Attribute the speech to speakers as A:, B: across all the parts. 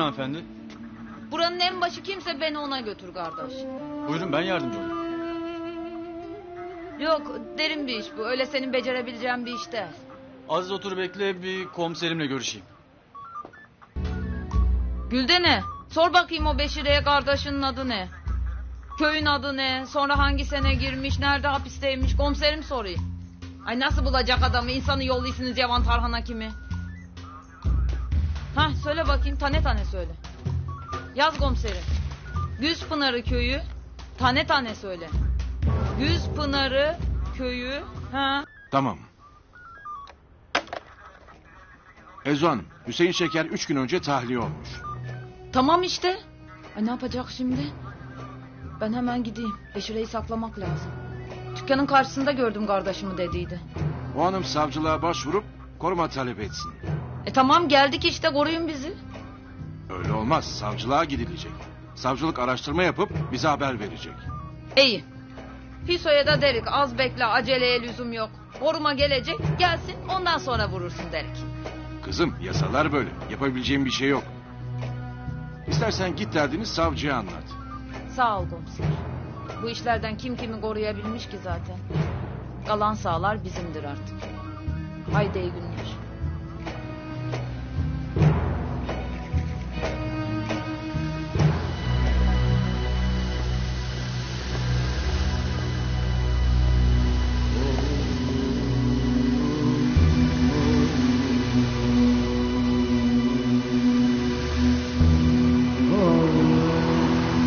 A: hanımefendi.
B: Buranın en başı kimse beni ona götür kardeş.
A: Buyurun ben yardımcı olayım.
B: Yok derin bir iş bu. Öyle senin becerebileceğin bir iş değil.
A: Az otur bekle bir komiserimle görüşeyim.
B: Güldene. Sor bakayım o Beşire'ye kardeşinin adı ne? Köyün adı ne? Sonra hangi sene girmiş? Nerede hapisteymiş? Komiserim sorayım. Ay nasıl bulacak adamı? İnsanı yolluyorsunuz Yavan Tarhan'a kimi? Hah söyle bakayım tane tane söyle. Yaz komiserim. Güzpınarı köyü tane tane söyle. Güzpınarı köyü ha.
C: Tamam. Ezo Hanım, Hüseyin Şeker 3 gün önce tahliye olmuş.
B: Tamam işte. Ay ne yapacak şimdi? Ben hemen gideyim. Beşire'yi saklamak lazım. Dükkanın karşısında gördüm kardeşimi dediydi.
C: O hanım savcılığa başvurup koruma talep etsin.
B: Tamam geldik işte koruyun bizi.
C: Öyle olmaz, savcılığa gidilecek. Savcılık araştırma yapıp bize haber verecek.
B: İyi. Hüso'ya da derik az bekle aceleye lüzum yok. Koruma gelecek gelsin ondan sonra vurursun derik.
C: Kızım, yasalar böyle. Yapabileceğim bir şey yok. İstersen git derdini savcıya anlat.
B: Sağ ol komiser. Bu işlerden kim kimi koruyabilmiş ki zaten. Kalan sağlar bizimdir artık. Haydi iyi günler.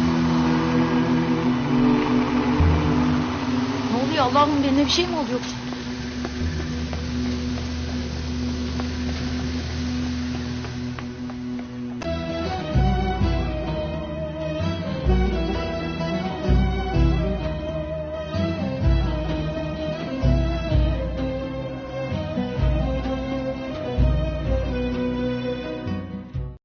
B: Ne oluyor Allah'ım benimle bir şey mi oluyor?